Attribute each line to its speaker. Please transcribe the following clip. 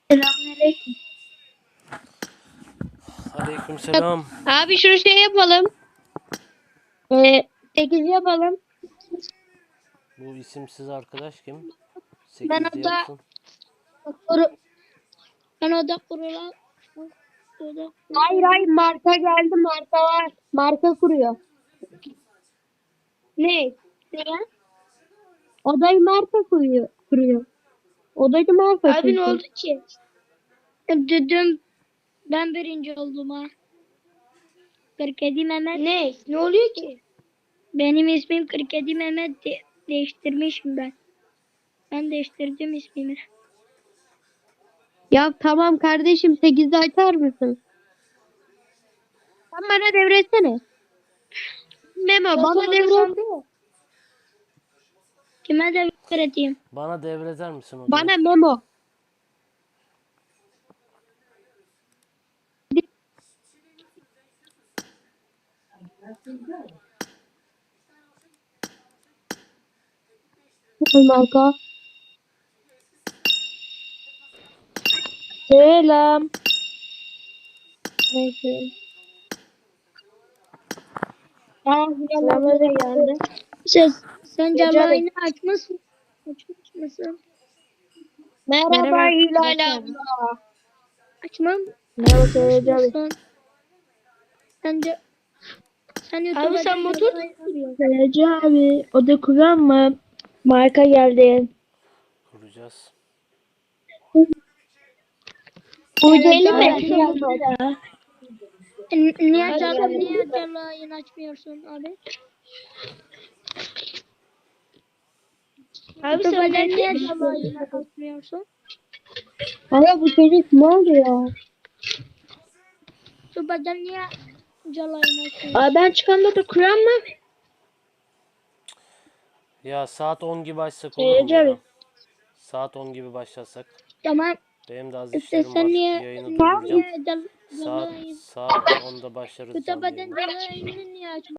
Speaker 1: Selamünaleyküm.
Speaker 2: Aleykümselam.
Speaker 1: Abi şunu şey yapalım. 8 yapalım.
Speaker 2: Bu isimsiz arkadaş kim?
Speaker 1: Ben
Speaker 2: 8'de
Speaker 1: oda
Speaker 2: yapsın.
Speaker 1: ben oda kurulan Hayır marka geldi, marka var. Marka kuruyor. Ne? Ne? Odayı marka kuruyor. Odayı marka
Speaker 3: Abi
Speaker 1: kuruyor.
Speaker 3: ne oldu ki?
Speaker 1: Dedim ben birinci oldum ha. 47 Mehmet.
Speaker 3: Ne? Ne oluyor ki?
Speaker 1: Benim ismim 47 Mehmet değiştirmişim ben. Ben değiştirdim ismimi. Ya tamam kardeşim 8'de açar mısın? Sen bana devretsene. Memo bana devret. Kime devredeyim?
Speaker 2: Bana devreder misin odayı?
Speaker 1: Bana Memo. Marka. Selam. Neyse. Selamlar geldi. Sen canlı açmışsın. Açmış mısın? Merhaba Hilal abla. Açmam. Merhaba Seyirci Sen YouTube'a
Speaker 3: Abi sen motor
Speaker 1: Seyirci abi. O da kuran mı? Marka geldi.
Speaker 2: Kuracağız.
Speaker 1: Uceli mi?
Speaker 3: Niye
Speaker 1: canlı yayın açmıyorsun abi?
Speaker 3: Abi sen
Speaker 1: Niye
Speaker 3: niye
Speaker 1: canlı yayın açmıyorsun? Ama bu çocuk ne oluyor? YouTube'da niye canlı yayın açmıyorsun? Abi ben çıkanda da kuran mı?
Speaker 2: Ya saat 10 gibi açsak olur mu ya? Saat 10 gibi başlasak.
Speaker 1: Tamam.
Speaker 2: Benim de az
Speaker 1: İşte
Speaker 2: işlerim
Speaker 1: sen
Speaker 2: var.
Speaker 1: niye
Speaker 2: Yayını durduracağım.
Speaker 1: canlı
Speaker 2: Saat 10'da başlarız canlı
Speaker 1: YouTube'da
Speaker 2: yayına.
Speaker 1: canlı yayını niye açmıyorsun?